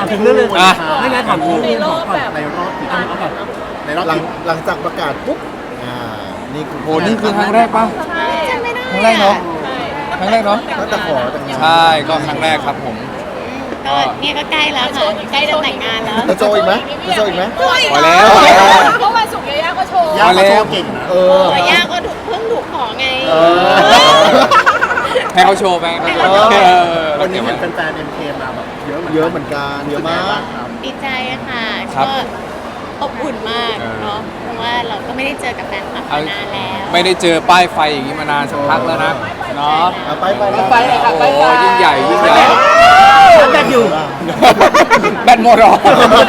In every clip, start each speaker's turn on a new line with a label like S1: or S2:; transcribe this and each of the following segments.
S1: ถึงเรื่องเลยไม่งั้นถามเรื่องของก่อนในรอบเอาก่อนในรอบหลังจากประกาศปุ๊บนี่คือ
S2: โหนี่คือครั้งแรกป่ะ
S3: จำไม่ได้
S2: ครั้งแรกเนาะครั้งแรกเนาะ
S1: ตั้งแต่ขอแต่งงาน
S2: ใช่ก็ครั้งแรกครับผม
S3: ก็เนี่ยก็ใกล้แล้วค่ะใกล้จะแต่งงานแล้ว
S1: จะโจอีกไหมจะโจอีกไหม
S3: โอ้ย
S2: พอแล้ว
S4: เพราะวันศุกร์ยาย่าก็โชว์
S1: ย่าเขาโจเก่งนะ
S3: แต่ย่าก็เพิ่งถูกขอไง
S2: ให้เขาโชว์ไปให้เขาโชว์
S1: วันนี้เห็นแฟนๆเอ็มเคมาแบบเยอะเหมือนกันเยอะมาก
S3: ดีใจค่ะ
S2: ครับ
S3: ก็อบอุ่นมากเนาะเพราะว่าเราก็ไม่ได้เจอกับแฟนคลับมานานแล้ว
S2: ไม่ได้เจอป้ายไฟอย่างนี้มานานสักพักแล้วนะเนาะ
S1: ไป
S2: โอ้ยิ่งใหญ่ยิ่งใหญ่
S1: แบบอยู่
S2: แบตหมดหรอ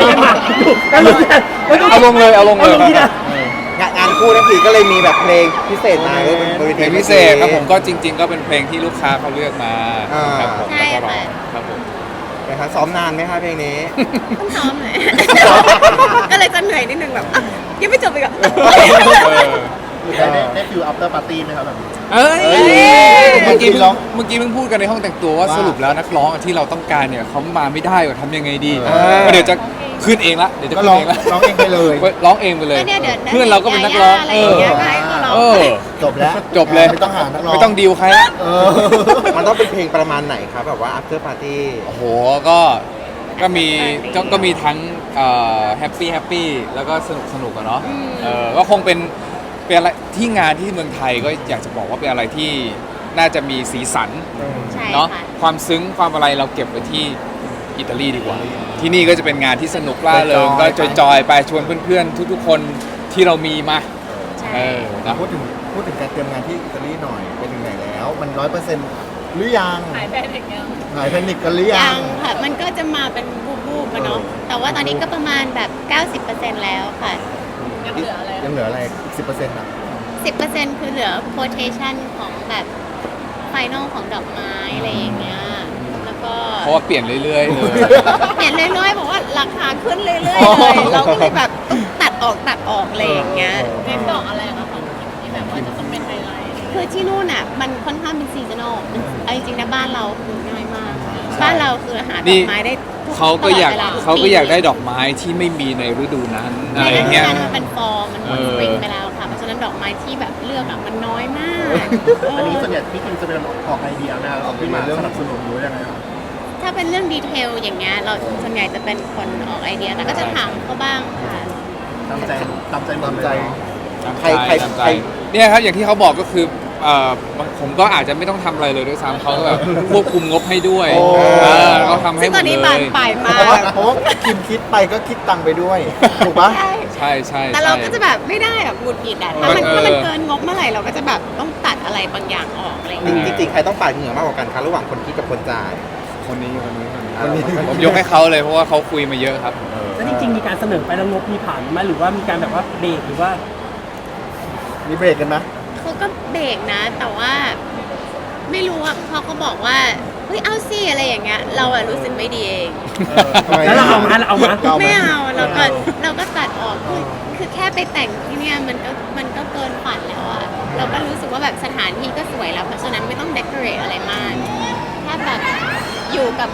S2: เอาลงเลยเอาลงเลย
S5: งานคู่นั่นคือก็เลยมีแบบเพลงพิเศษมาก็เป็นบริ
S2: เพลงพิเศษครับผมก็จริง ๆ ก็เป็นเพลงที่ลูกค้าเขาเลือกมาครับผม
S3: ใช่
S2: แล้วก็ร้อ
S3: ค่ะ
S2: งครับผม
S5: นะครับซ้อมนานไหมคะเพลงนี้
S3: ต้องซ้อมเลย ก็เลยจะเหนื่อยนิดนึงแบบยังไม่จบอีกอ่ะ
S1: ได้ฟิวอัปเตอร์ปาร์ตี้ไหมครับแบบ
S2: เอ้ย
S1: เมื่อกี้
S2: เมื่อกี้เพิ่งพูดกันในห้องแต่งตัวว่าสรุปแล้วนักร้องที่เราต้องการเนี่ยเขามาไม่ได้ว่าทำยังไงดีก็เดี๋ยวจะขึ้นเองละเดี๋ยวจะ
S1: ก็
S2: ขึ้น
S1: ร้อง
S2: เองละ
S1: ร้องเองไปเลย
S2: ร้องเองไปเลย
S3: ก็เนี่ยเดี๋ยว
S2: เพื่อนเราก็เป็นนักร้อง
S3: อะไรอย่างเงี้ยก็ให้เขาร้อง
S2: เออ
S1: จบแล้ว
S2: จบเลย
S1: ไม่ต้องหานักร้อง
S2: ไม่ต้องดีลใครละ
S5: มันต้องเป็นเพลงประมาณไหนครับแบบว่า after party
S2: โอ้โหก็มีทั้งแฮปปี้แล้วก็สนุกอะเนาะก็คงเป็นอะไรที่งานที่เมืองไทยก็อยากจะบอกว่าเป็นอะไรที่น่าจะมีสีสัน
S3: ใช่
S2: เนาะ
S3: ค่ะ
S2: ความซึ้งความอะไรเราเก็บไว้ที่อิตาลีดีกว่า ที่นี่ก็จะเป็นงานที่สนุกล่าเริงก็จอยๆไปชวนเพื่อนๆทุกๆคนที่เรามีมา
S3: ใช่
S2: นะ
S1: พูดถึงการเตรียมงานที่อิตาลีหน่อยเป็นยังไงแล้วมัน 100%หรือยัง
S4: หายแพนิคยัง
S1: หายแพนิคกันหรือยั
S3: ยัง งค่ะ มันก็จะมาเป็นบูบๆกันเนาะ แต่ว่าตอนนี้ก็ประมาณแบบ 90% แล้วค่ะ
S4: ยังเหลืออะไร
S1: ยังเหลืออะไรอีก 10%อ่ะ
S3: 10% คือเหลือ quotation ของแบบไฟนอลของดอกไม้อะไรอย่างเงี้ย แล้วก็
S2: เพราะว่าเปลี่ยนเรื่อยๆเลย
S3: เห็นเรื่อยๆบอกว่าราคาขึ้นเรื่อยๆเลยเราก็เลยแบบต้องตัดออกอะไรอย่างเงี้ย
S4: เน้นดอกอะไรคะของที่แบบว่าจะต้องเป็นไฮไลท์
S3: คือที่นู่นอ่ะมันค่อนข้างเป็นซีซันอลเอาจริงๆนะบ้านเราคือง่ายมาก บ้านเราคือหาดอกไม้ได้ทุ
S2: เขาก็อยาก
S3: ตลดวลทุ
S2: เขาก็อยากได้
S3: ปี
S2: ดอกไม้ที่ไม่มีในฤดูนั้นอะ
S3: ใน
S2: ไรอ
S3: ฤ
S2: ย่าง
S3: ดู
S2: เงี้ย
S3: นั้นมันเป็นฟอร์มันหมด
S2: เออ
S3: สปริงไปแล้วค่ะ เพราะฉะนั้นดอกไม้ที่แบบเลือกอ่ะมันน้อยมาก
S1: อันนี้
S3: เออ
S1: ส่วนใหญ่พี่คิมจะเป็นออกไอเดียนะออกขึ้นมาสนับสนุนหรือยังไงครับ
S3: ถ้าเป็นเรื่องดีเทลอย่างเงี้ยเราส่วนใหญ่จะเป็นคนออกไอเดียแต่ก็จะถามเขาบ้างค่ะ
S1: ตามใจหมดเลย
S5: ใคร
S2: ตามใจเนี่ยครับอย่างที่เขาบอกก็คือผมก็อาจจะไม่ต้องทำอะไรเลยด้วยซ้ำเขาก็แบบควบคุมงบให้ด้วย
S1: โอ้
S2: เขาทำให้
S3: ซึ่ง
S2: หม
S3: ตอ
S2: ด
S3: น
S2: เล
S3: นี้บาน
S2: ย
S3: ปลายมา
S1: เพราะว่าก คิมคิดไปก็คิดตังค์ไปด้วยถูกปะ
S3: ใช่
S2: ใช่
S3: แต่เราก็จะแบบไม่ได้แบบหงุดหงิดอ่ะถ้ามันเกินงบเมื่อไหร่เราก็จะแบบต้องตัดอะไรบางอย่างออกอะไรอย่างเงี้ย
S5: จริงๆใครต้องปาดเหงื่อมากกว่ากันคะระหว่างคนคิดกับคนจ่าย
S2: คนนี้ผมยกให้เขาเลยเพราะว่าเขาคุยมาเยอะครับ
S6: แล้วจริงๆมีการเสนอไปแล้วงบมีผ่านไหมหรือว่ามีการแบบว่าเบรกหรือว่า
S1: มีเบรกกันนะ
S3: เขาก็เบรกนะ แต่ว่าไม่รู้อ่ะพอเขาบอกว่าเฮ้ยเอาสิอะไรอย่างเงี้ยเราอะรู้สึกไม่ดีเอง
S6: แล้วเราเอามา
S3: ไม่เอาเราก็ตัดออกคือแค่ไปแต่งที่เนี่ยมันก็เกินฝันแล้วอะเราก็รู้สึกว่าแบบสถานที่ก็สวยแล้วเพราะฉะนั้นไม่ต้องเดคอเรทอะไรมากแค่แบบอยู่กับ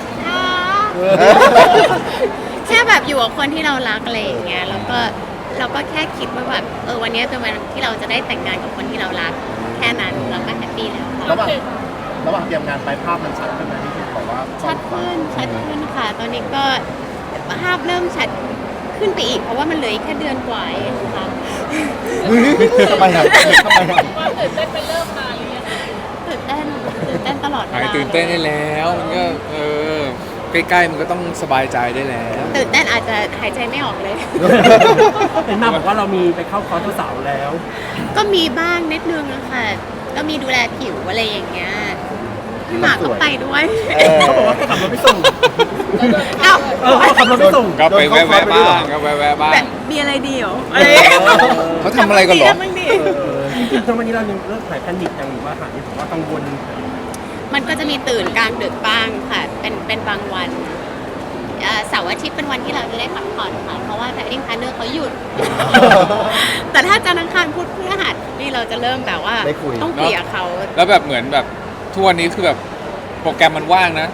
S3: แค่แบบอยู่กับคนที่เรารักอะไรอย่างเงี้ยแล้วก็เราก็แค่คิดว่าแบบวันนี้เป็นวันที่เราจะได้แต่งงานกับคนที่เรารักแค่นั้นเราก็แฮปปี้แล้วค่ะ
S1: ระหว่างเตรียมงานไปภาพมันชัดขึ้นไหมพี่คิมบอกว่า
S3: ชัดขึ้นค่ะ ตอนนี้ก็ภาพเริ่มชัดขึ้นไปอีกเพราะว่ามันเหลืออีกแค่เดือนกว่าเองค่ะ
S1: ทำไมครับ
S4: ว่าตื่นเต้นเป็นเริ่มมาหรือยังไง
S3: ตื่นเต้นตลอดเว
S2: หาย
S3: ลา
S2: ตื่นเต้นได้แล้วมันก็ใกล้ๆมันก็ต้องสบายใจได้แล้ว
S3: ตื่นเต้นอาจจะหายใจไม่ออกเลย
S6: เป็นมาบอกว่าเรามีไปเข้าคอร์สเจ้าสาวแล้ว
S3: ก็มีบ้างนิดนึงอะค่ะ ก็มีดูแลผิวอะไรอย่างเงี้ยพี่หมากก็ไปด้วย
S6: เขาบอกว่าให้ขับรถไปส่ง
S3: เอ้า
S6: เขาขับรถไปส่ง
S2: ก็ไปแวะๆบ้างก็แวะๆบ้าง
S3: แบบมีอะไรดีเหรออะไร
S2: เขาทำอะไรกันเหรอ
S3: บ้างดิ
S6: จริงๆทั้งวันนี้เรายังเลิกถ่ายแพนิคยังหรือว่าหายผมว่ากังวล
S3: มันก็จะมีตื่นกลางดึกบ้างค่ะ เป็นบางวันเสาร์อาทิตย์เป็นวันที่เราจะได้พักผ่อนค่ะ เพราะว่าแพดดิ้งพาร์เนอร์เขาหยุด แต่ถ้าจันทร์อังคารพุธพฤหัสนี่เราจะเริ่มแบบว่า
S1: ได้คุย
S3: ต้องเคลียร์เขา
S2: แล้วแบบเหมือนแบบทุกวันนี้คือแบบโปรแกรมมันว่างนะ แ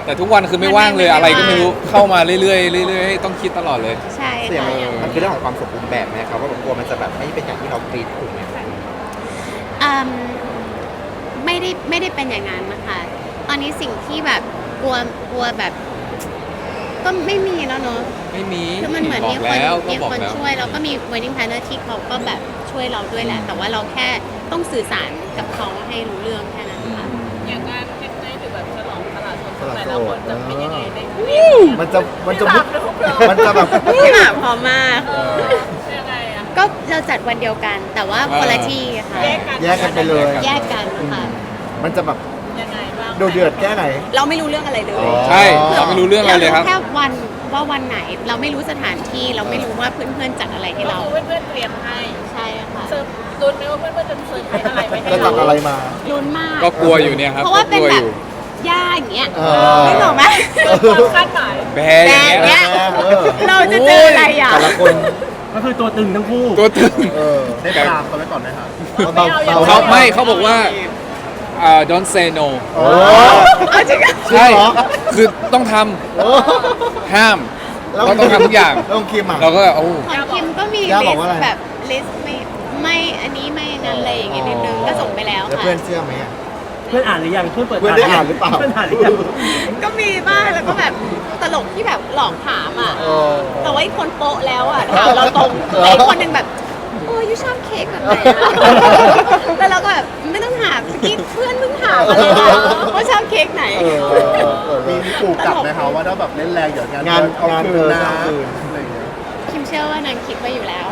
S2: แต่ทุกวันคือไม่ว่างเลยอะไรก็ไม่รู้เข้ามาเรื่อยๆเรื่อยๆต้องคิดตลอดเลย
S3: ใช่
S5: เสี่ยง
S3: ค่ะ
S5: มันคือเรื่องของความสมบูรณ์แบบไหมครับว่าแบบกลัวมันจะแบบไม่เป็นอย่างที่เราคิดถูกไหม
S3: อืมไม่ได้เป็นอย่างนั้นนะคะตอนนี้สิ่งที่แบบกลัวแบบ ก็ไม่มีแล้วเนอะ
S2: ไม่มี
S3: คือมันเหมือน
S2: บอ
S3: มี
S2: ก
S3: คน
S2: แล้วก็
S3: มี
S2: บอก
S3: คน
S2: แล้ว
S3: ช่วยแล้วก็มี wedding planner ที่เขาก็แบบช่วยเราด้วยแหละ แต่ว่าเราแค่ต้องสื่อสารกับเขาให้รู้เรื่องแค่นั้นค่ะ
S4: อย่างงานเทคไนท์หรือแบบฉลองตลาดสดแต่ละคนจะเป็นยังไงได้
S1: มันจะมันจะแบบ
S3: พี่หมากพร้อมมาก
S4: ยังไงอะ
S3: ก็เราจัดวันเดียวกัน แต่ว่าคนละที่ค่ะ
S1: แยกกันไปเลย
S3: แยกกันค่ะ
S1: มันจะแบบ
S4: ยังไงบ้าง
S1: ดูเดือดแค่ไหน
S3: เราไม่รู้เรื่องอะไรเลย
S2: ใช่เราไม่รู้เรื่องอะไรเลยครับ
S3: แค่วันว่าวันไหน เราไม่รู้สถานที่เราไม่รู้ว่าเพื่อนๆจัดอะไรให้
S4: ก็
S3: เรา
S4: คือเพื่อนๆเตรียมให้
S3: ใช่ค่ะ
S4: เซิร์ฟลุ้นไหมว่าเพื่อนๆจะเซิร์ฟอะไรไปให้
S1: จะจั
S4: เรา
S1: ดอะไรมา
S3: ลุ้นมาก
S2: ก็กลัวอยู่เนี่ยครับ
S3: เพราะว่าเป็น
S2: ก็กลั
S3: แบ
S2: อบ ยู่
S3: ย่าอย่างเงี้ย
S1: เออ
S3: ไม่บอกไหม
S4: ความคาดหมาย
S2: แบอย่างเงี้ย
S3: แบอย่างเงี้ย
S1: เออ
S3: เราจะเจออะไรอ่ะ
S1: แต่ละคน
S6: ก็คือตัวตึงทั้งคู่
S2: ตัวตึง
S1: ได้ปรามเขาไว้ก่อนไหมครับ
S2: เขาไม่เขาบอกว่าdon't say no
S1: โอ้
S3: เอาจริงอ่ะ
S2: ใช่
S1: จริงเหรอ
S2: คือต้องทำห้ามเราต้องทำทุกอย่าง
S1: แล้วองคิมอ่ะ
S2: เราก็โอ้
S3: ของคิมก็มี
S1: ย่า
S3: ลิ
S1: บอก
S3: ส
S1: ว่าอะไร
S3: ต์แบบลิสต์ไม่อันนี้ไม่นั้นเลยอย่างเงี้ยนิดนึงก็ส่งไปแล้ว
S1: แล้ว
S3: ค่ะ
S1: เพื่อนเชื่อไหมอ่ะ
S6: เพื่อนอ่านหรือยังเพื่อนเปิด
S1: เพื่อนได้อ่านหรือเปล่า
S6: เพื่อนอ่านหรือยัง
S3: ก็มีบ้างแล้วก็แบบตลกที่แบบหลอกถามอ่ะ
S1: เออ
S3: แต่ว่าอีกคนโป๊ะแล้วอ่ะถามเราตรงแต่อีกคนหนึ่งแบบยูชอบเค้กแบบไหนอะแล้วเราก็แบบไม่ต้องถามเมื่อกี้เพื่อนเพิ่งถามมาเลยนะว่าชอบเค้กไหน
S1: มีขู่กลับไหมคะว่าถ้าแบบเล่นแรงเดี๋ยวงานเอาคืนนะอะไรอย่างเงี้ย
S3: คิมเชื่อว่านางคิดไว้อยู่แล้ว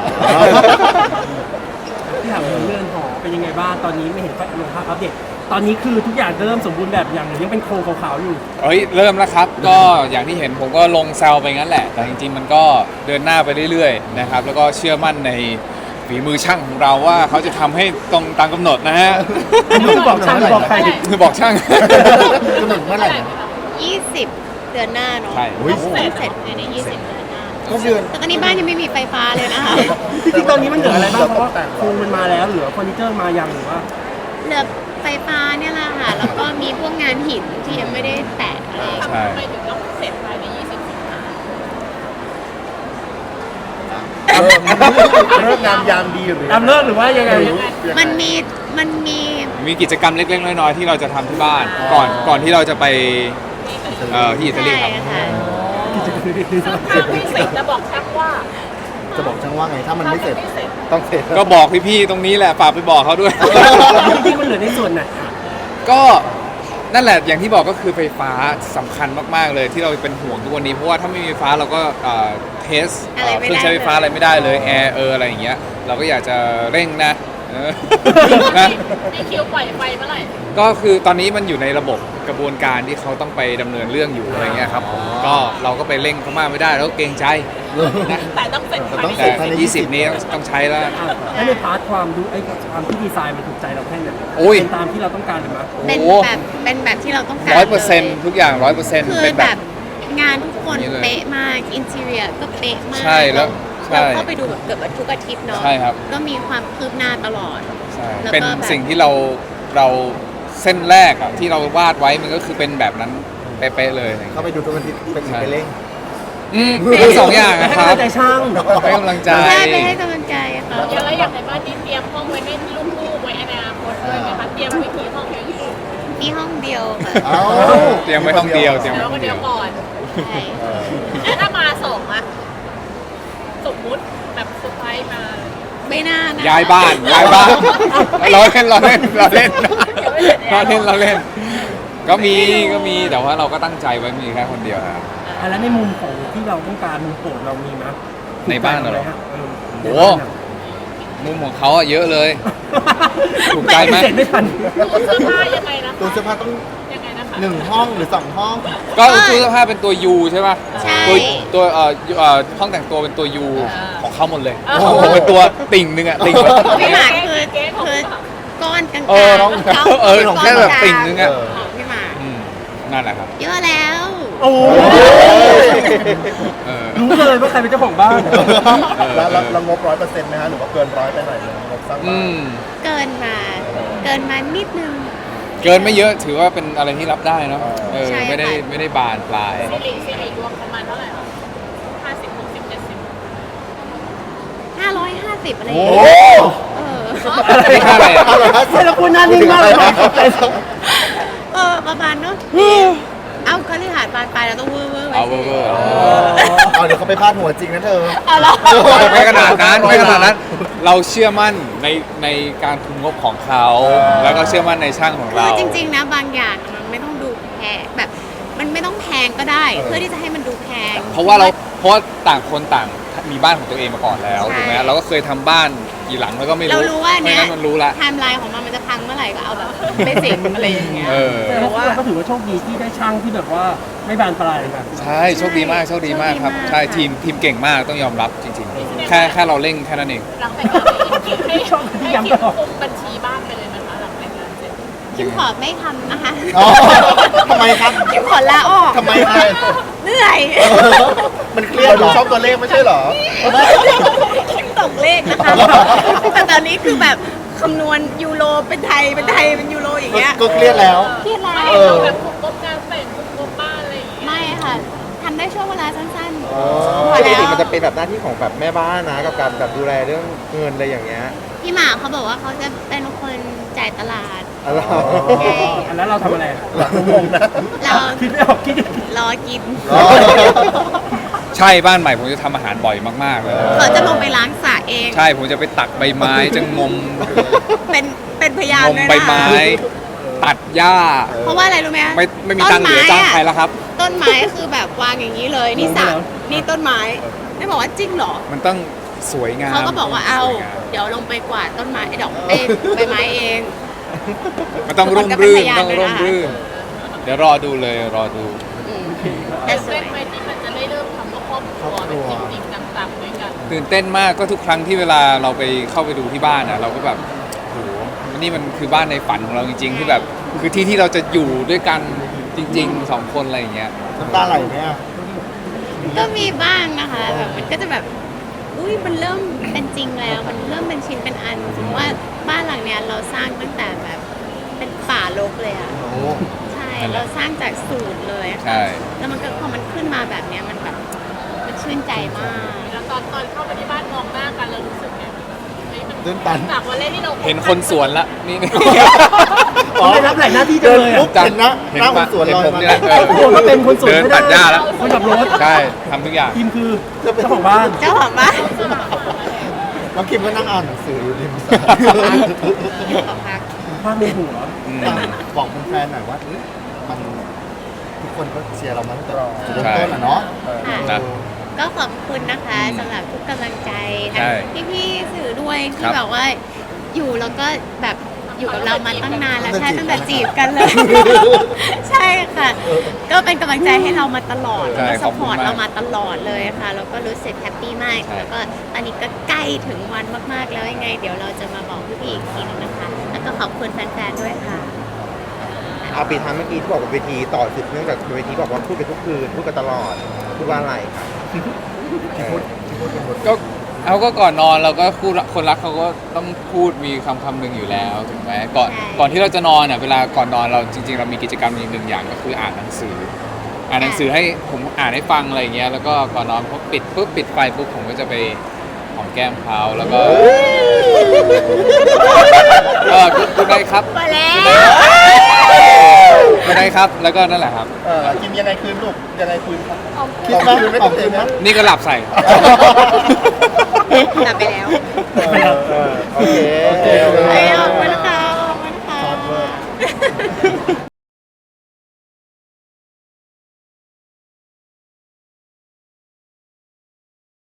S6: ที่ถามเรื่องหอเป็นยังไงบ้างตอนนี้ไม่เห็นลงภาพอัปเดตตอนนี้คือทุกอย่างเริ่มสมบูรณ์แบบอย่างหรือยังเป็นโครงขาวๆอยู่
S2: เฮ้ยเริ่มแล้วครับ ก็อย่างที่เห็นผมก็ลงแซวไปงั้นแหละ แต่จริงๆมันก็เดินหน้าไปเรื่อยๆนะครับแล้วก็เชื่อมั่นในฝีมือช่างของเราว่าเขาจะทำให้ตรงตามกำหนดนะฮะ
S6: อันนี้คือบอกช่างหรือบอกใคร
S2: คือบอกช่าง
S1: กำหนดเมื่อไหร่นะ
S3: 20 เดือนหน้าเนาะ
S2: ใช่
S3: ต้องเสร็จภายใน20 เดือนหน้า
S1: ก็เดือน
S3: แต่ตอนนี้บ้านยังไม่มีไฟฟ้าเลยนะคะ
S6: จริงๆตอนนี้มันเหลืออะไรบ้างเพราะว่าโครงมันมาแล้วเหลือเฟอร์นิเจอร์มายังหรือว่า
S3: เหลือไฟฟ้าเนี่ยแหละค่ะ แล้วก็มีพวกงานหินที่ยังไม่ได้แตะอะไรอย่างเงี้ย
S2: ใช่
S4: ทำไมถึงต้องเสร็จภายใน 20 สิงหา
S1: เลิกงามยามดีหรือ
S6: ตามเลิกหรือว่ายังไง
S3: มันมี
S2: มีกิจกรรมเล็กๆน้อยๆที่เราจะทำที่บ้านก่อนที่เราจะไปที่อิตาลี
S3: ใช่
S2: ครับ
S3: ค่ะ
S4: ถ้าไม่เสร็จจะบอกช่างว่า
S1: จะบอกช่างว่าไงถ้ามันไม่เสร็จ
S4: ไม่เสร็จ
S1: ต้องเสร็จ
S2: ก็บอกพี่ๆตรงนี้แหละฝากไปบอกเขาด้วย
S6: จริงๆมันเหลือในส่วนไหน
S2: ก็นั่นแหละอย่างที่บอกก็คือไฟฟ้าสำคัญมากๆเลยที่เราเป็นห่วงทุกวันนี้เพราะว่าถ้าไม่มีไฟฟ้าเราก็เทส
S3: อะไรไม่ได้
S2: เครื่องใช้ไฟฟ้าอะไรไม่ได้เลยแอร์อะไรอย่างเงี้ยเราก็อยากจะเร่งนะนะ
S4: มีคิวปล่อยไฟเมื่อไหร่
S2: ก็คือตอนนี้มันอยู่ในระบบกระบวนการที่เขาต้องไปดำเนินเรื่องอยู่อะไรเงี้ยครับผมก็เราก็ไปเร่งเขามากไม่ได้แล้วก็เกรงใจนะ
S4: แต่ต้องเสร็จภายใน
S2: แต่20 นี้ต้องใช้แล้ว
S6: แล้วในพาร์ทความดูความที่ดีไซน์มันถูกใจเราแค่ไหน
S2: โอ้ย
S6: เป็นตามที่เราต้องการหรือเปล่า
S3: เป็นแบบที่เราต้องการ
S2: 100%ทุกอย่าง 100%
S3: คือ
S2: เป็น
S3: แบ
S2: แบบ
S3: บงานทุกคน
S2: นี่เลย
S3: เป๊ะมากอินเท i รียก็เป๊ะมาก
S2: ใช่แล้วใช่
S3: เราเข้าไปดูแบบเกือบทุกอาทิตย์เนาะ
S2: ใช่ครับ
S3: ก็มีความคืบหน้าตลอด
S2: ใช่
S3: แล้วก็
S2: เป็น
S3: แบบ
S2: สิ่งที่เราเส้นแรกอะที่เราวาดไว้มันก็คือเป็นแบบนั้นเป๊ะๆเลย
S1: เข้าไปดูทุกอาทิตย์ไปเร่ง
S2: ทั้งสองอย่างนะค
S6: ให้
S2: รับ
S6: กำลังใจช่าง
S2: ให้กำลังใจ
S3: ใช่ไปให้กำลังใจค่ะ
S4: แล้วอย่างในบ้านที่เตรียมห้องไว้ให้ลูกๆไว้อนาคตด้วยไหมคะเตรียมไว้กี่ห้องเอง
S3: มีห้องเดียวค่ะ
S1: เอ้า
S2: เตรียมไว้ห้องเดียวเตรียมไว้
S4: แล้ว
S2: ห้
S4: ก็
S2: อง
S4: เดี
S2: เดี
S4: ย
S2: ยว ว
S4: ก่อน
S3: ใช่
S4: แล้วถ้ามาสองอะสมมุติแบบเซอร์ไพรส์มา
S3: ไม่น่านะ
S2: ย้ายบ้านเราเล่นก็มีแต่ว่าเราก็ตั้งใจไว้มีแค่คนเดียวครับ
S6: แล้วในมุมของที่เราต้องการมุมโปรดเรามีมั้ย
S2: ในบ้านเหรอ
S6: โอ้
S2: โอ้มุมของเขาอะเยอะเลย ถูกใจไหม
S6: เสร็จไม่ทัน
S4: ตู้เสื้อผ้ายังไงนะ
S1: ตู้เสื้อผ้าต้อง
S4: ยังไงนะคะ
S1: 1 ห้องหรือ 2 ห้อง
S2: ก็ตู้เสื้อผ้าเป็นตัว U ใช่ป่ะ
S3: ใช่
S2: ตัวห้องแต่งตัวเป็นตัว U ของเขาหมดเลย
S4: อ่า
S2: ผมเป็นตัวติ่งหนึงอะติ่งแบบ
S3: พี่หมากคือก้อนกลางๆ
S2: น้องแค่แบบติ่งนึงอะ
S3: ของพี่หมาก
S2: นั่นแหละครับ
S3: เยอะแล้ว
S6: โอ้
S2: เออ
S6: รู้เลยว่าใครเป็นเจ้าของบ้าน
S1: แล้วงบ 100%ไหมฮะหรือว่าเกิน100ไปหน่อยงบสร้างบ้าน
S3: เกินมานิดนึง
S2: เกินไม่เยอะถือว่าเป็นอะไรที่รับได้เนาะ
S3: ใช่ค่ะ
S2: ไม่ได้บานปลาย
S4: ซีรีส์รวมประมาณเท่าไหร่คะ50 60 70
S3: 550อะไรอ
S1: โอ้
S3: ย่างเงี้ย
S2: นี่ค่าอะไรอ่ะ
S6: ใช่แล้วคุณหน้านิ่งมากเลยนะ
S3: ประมาณเนาะเอาคฤหาสน์บานปลายเราต้องเวอร์ไว้
S2: เอา
S3: สิ
S2: เวอร์
S1: เอาเดี๋ยวเขาไปพาดหัวจริงนะเธอ
S3: เอาเหรอ
S2: ไม่ขนาดนั้นเราเชื่อมั่นในการคุมงบของเขาแล้วก็เชื่อมั่นในช่างของ
S3: คื
S2: เรา
S3: อจริงๆนะบางอย่างมันไม่ต้องดูแพงแบบมันไม่ต้องแพงก็ได้ เพื่อที่จะให้มันดูแพง
S2: เพราะว่าต่างคนต่างมีบ้านของตัวเองมาก่อนแล้ว
S3: ใช่
S2: ถูกไหมเราก็เคยทำบ้านกี่หลังแล้วก็ไม่
S3: เรา
S2: รู้
S3: รู้ว่า
S2: เพราะ
S3: เนี้ย
S2: ฉะนั้นมันรู้ละ
S3: ไทม์ไลน์ของมันจะพังเมื่อไหร่ก็เอาแบบเบสิกอะไรอย่างเงี้ย
S2: เออ
S6: แต่ว่าเราก็ถือว่าโชคดีที่ได้ช่างที่แบบว่าไม่บานปลายกัน
S2: ใช่โชคดีมากครับ
S3: โชคดีมาก
S2: ใช่ทีมเก่งมากต้องยอมรับจริงๆ แค่เราเร่งแค่นั้นเอง
S4: หลังแต่งงานให้คิมคุมบัญชีบ้านไปเลยนะคะหลังแต่งงานเสร็จ
S3: คิมขอไม่ทำนะคะ
S1: อ๋อทำไมครับ
S3: คิมขอลาออก
S1: ทำไมครับ
S3: เหนื่อย
S1: มันเครียดดูชอบตัวเลขไม่ใช่เหรอ
S3: คิมตกเลขนะคะแต่ตอนนี้คือแบบคำนวณยูโรเป็นไทยเป็นยูโรอย่างเงี้ย
S1: ก็เครียดแล้ว
S3: เครียดแล้
S4: ไม่
S3: ว
S4: เราแบบคุมงบงานแต่งคุมงบบ้านอะไรอย่างเงี้ย
S3: ไม่ค่ะทำได้ช่วงเวลาสั้นๆ
S1: อ๋อ
S3: พอ
S5: ปก
S3: แล้
S5: ติ
S3: ว
S5: มันจะเป็นแบบหน้าที่ของแบบแม่บ้านนะกับการแบบดูแลเรื่องเงินอะไรอย่างเงี้ย
S3: พี่หมาเขาบอกว่าเขาจะเป็นคนจ่ายตลาด
S5: อะไร
S6: อันนั้นเราทำอะไร
S1: งงนะ
S3: เรา
S6: คิดไม่ออกคิดอย่างนี้
S3: รอกิน
S1: อ๋อ
S2: ใช่บ้านใหม่ผมจะทำอาหารบ่อยมากๆเลย
S3: เขาจะลงไปล้างสระเอง
S2: ใช่ผมจะไปตักใบไม้จะงม
S3: เป็นพยาน
S2: งม
S3: ด้วย
S2: ใบ
S3: นะ
S2: ไม้ ตัดหญ้า
S3: เพราะว่าอะไรรู้ไหม
S2: ไม่มีตังค์เหลือจ้างใครแล้วครับ
S3: ต้นไม้คือแบบวางอย่างนี้เลยนี่สระนี่ต้นไม้ได้บอกว่าจริงเหรอ
S2: มันต้องสวยงาม
S3: เขาก็บอกว่าเอา
S2: สยงม
S3: เดี๋ยวลงไปกวาดต้นไม้ดอกใบไม้เอง
S2: มันต้องร่ม
S3: ทุกคนก็เป็น
S2: รื่
S3: พ
S2: น
S3: ยาน
S2: ต้องร่ม
S3: ด้วยนะคะ
S2: รื่น เดี๋ยวรอดูเลยรอดู
S3: อืมแต่สว
S4: เล่
S3: ย
S4: นไปที่มันจะได้เริ่มคำว่าครอบครัวแบบจริงๆจังๆด้วยกัน
S2: ตื่นเต้นมากก็ทุกครั้งที่เวลาเราไปเข้าไปดูที่บ้านอ่ะเราก็แบบโหนี่มันคือบ้านในฝันของเราจริง ๆ ที่แบบคือที่ที่เราจะอยู่ด้วยกันจริงๆสองคนอะไรอย่างเงี้ย
S1: น้ำตาไหลไหมอ่ะ
S3: ก็มีบ้างนะคะแบบมันก็จะแบบอุ้ยมันเริ่มเป็นจริงแล้ว มันเริ่มเป็นชิ้นเป็นอันสมมติว่าบ้านหลังเนี้ยเราสร้างตั้งแต่แบบเป็นป่ารกเลยอ่ะ
S1: โอ้
S3: ใช่
S2: นั่นแหละ
S3: เราสร้างจากศูนย์เลยอะ
S2: ใช่
S3: แล้วมันก็พอมันขึ้นมาแบบเนี้ยมันแบบมันชื่นใจมาก
S4: แล้วตอนเข้าไปที่บ้านมองหน้ากันเรารู้สึกไงเฮ้ยมัน
S1: ตื่นตัน
S4: จากวันแรกที่เรา
S2: เห็นคนสวนละนี่
S6: อ๋อไม่รับหลายหน้าที่จังเลยอ่ะ
S1: ปุ๊บ เห็นนะหน้าคนสวนลอยมา
S2: เห็นผมเนี่ย
S6: ครอบครัวก็เป็นคนสวน
S2: เดิน
S6: ไม่ได้
S2: ตัดหญ้าแล้ว
S6: คนขับรถ
S2: ใช่ทำทุกอย่าง
S6: ทีมคือเจ้าของบ้าน
S3: เจ้าของบ้าน
S1: น้องคิมก็นั่งอ่านหนังสืออยู่ริมสระ
S3: ขอพัก
S6: ภาพในหัว
S2: อืม
S1: บอกแฟนๆหน่อยว่าเอ้ยมันทุกคนก็เชียร์เรามาตั้งแต่จุดเริ่มต้นอ่ะเนาะ
S3: ค่ะ
S2: นะ
S3: ก็ขอบคุณนะคะสำหรับทุกกำลังใจ
S2: ใช่
S3: ทั้งพี่ๆสื่อด้วย
S2: ค
S3: ที่
S2: รับ
S3: แบบว่าอยู่แล้วก็แบบอยู่กับเรามาตั้งนานแล้วใช่ตั้งแต่จีบกันเลย ใช่ค่ะ ก็เป็นกำลังใจให้เรามาตลอด
S2: ใช่
S3: แล้วก็
S2: ข
S3: ส
S2: อบ
S3: ป
S2: คุณ
S3: อร์ต
S2: มาก
S3: เรามาตลอดเลยค่ะแล้วก็รู้สึกแฮปปี้มาก
S2: ใช่
S3: แล้วก็ตอนนี้ก็ใกล้ถึงวันมากๆแล้วยังไง เดี๋ยวเราจะมาบอกพี่ๆอีกทีนึงนะคะ แล้วก็ขอบคุณแฟนๆด้วยค่ะ
S5: เอาปีท้ายเมื่อกี้ที่บอกว่าเวทีต่อสืบเนื่องจากเวทีบอกว่าพูดกันทุกคืนพูดกันตลอดพูดว่าอะไรครับ
S2: ก็เอาก็ก่อนนอนเราก็คู่คนรักเขาก็ต้องพูดมีคำหนึ่งอยู่แล้วถูกไหมก่อน
S3: ใช่
S2: ก่อนที่เราจะนอนอ่ะเวลาก่อนนอนเราจริง ๆ เรามีกิจกรรมหนึ่งอย่างก็คืออ่านหนังสือ อ่านหนังสือให้ผมอ่านให้ฟังอะไรอย่างเงี้ยแล้วก็ก่อนนอนพอปิดปุ๊บปิดไฟปุ๊บผมก็จะไปหอมแก้มเขาแล้วก็คุณได้ครับ
S3: มาแล้ว
S2: คุณได้ครับแล้วก็นั่นแหละครับ
S1: คิมยังไงคืนลูกยังไงคืนครับคิดว่าคืนไม่ต้องเต็มนะ
S2: นี่ก็หลับใส่
S3: หลับไป